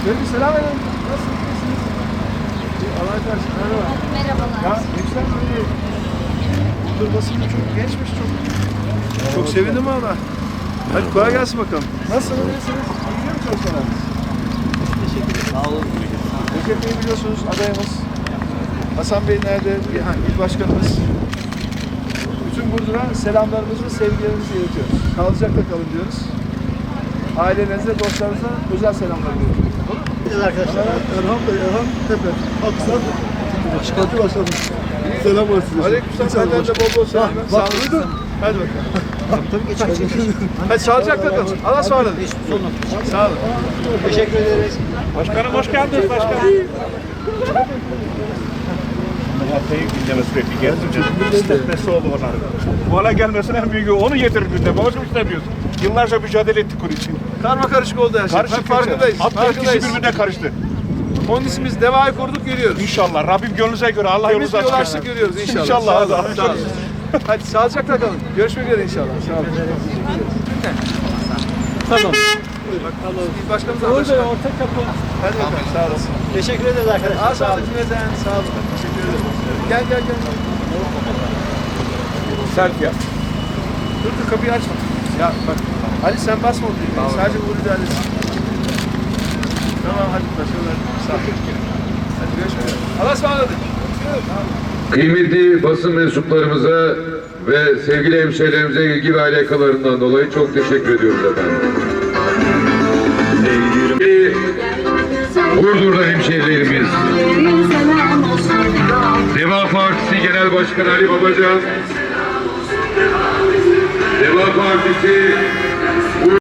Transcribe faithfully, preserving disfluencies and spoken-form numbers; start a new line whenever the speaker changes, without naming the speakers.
Şöyle bir selam verin. Nasılsınız? Allah karşı. Merhaba.
Merhabalar.
Ya gençler böyle durmasını çok gençmiş çok. Çok sevindim valla. Hadi kolay gelsin bakalım. Nasılsınız? İyisiniz? Gidiyor mu çalışmalarınız?
Teşekkür ederim. Sağ olun.
Recep Bey'i biliyorsunuz adayımız. Hasan Bey nerede? Yani il başkanımız. Bütün Burdur'a selamlarımızı, sevgilerimizi iletiyoruz. Sağlıcakla kalın diyoruz. Ailelerinize, dostlarınıza özel selamlar veriyorum.
Evet arkadaşlar.
Erhan Bey, Erhan Tepe. Aksan. Başkanı başladım. Selam var size.
Aleykümselam. Benden de bol bol selamlar. Sağ olun. Hadi bakalım.
Tabii geçelim.
Hadi sağlıcakla kalın. Allah'a ısmarladık. Sağ olun.
Teşekkür ederiz.
Başkanım hoş geldiniz başkanım. Hatay'ın gündeme sürekli getireceğiz. İstetmesi oldu onların. Bu hale gelmesine en büyüğü onu getirir gündeme. Babacım istemiyoruz. Yıllarca mücadele ettik bunun için.
Karma karışık oldu her şey.
Karışık
Farkındayız.
Alt
Farkındayız.
birbirine karıştı.
Onun için biz devayı kurduk geliyoruz.
İnşallah. Rabbim gönlünüze göre Allah
Biz
yolunuzu
bir yol
açık
açtık
etsin.
görüyoruz inşallah.
İnşallah.
Sağ olun. Sağ olun. Hadi sağlıcakla kalın. Görüşmek üzere inşallah. Sağ olun.
Tamam.
İl başkanımız arkadaşlar.
ortak kapı.
Hadi bakalım. Sağ olasın.
Teşekkür ederiz arkadaşlar.
Aa, sağ olun. Cümleten. Sağ olun. Teşekkür ederim. Gel gel gel.
Selfie yap.
Dur dur kapıyı açma. Ya bak. Ali sen basma o düğmeyi. Sadece Uğur ilerlesin. Tamam hadi başarılar. Sağ olun. Hadi görüşmek üzere. Allah'a ısmarladık.
Kıymetli basın mensuplarımıza ve sevgili hemşehrilerimize ilgi ve alakalarından dolayı çok teşekkür ediyoruz efendim. Sevgili Burdur'da hemşehrilerimiz, Deva Partisi Genel Başkanı Ali Babacan, Deva Partisi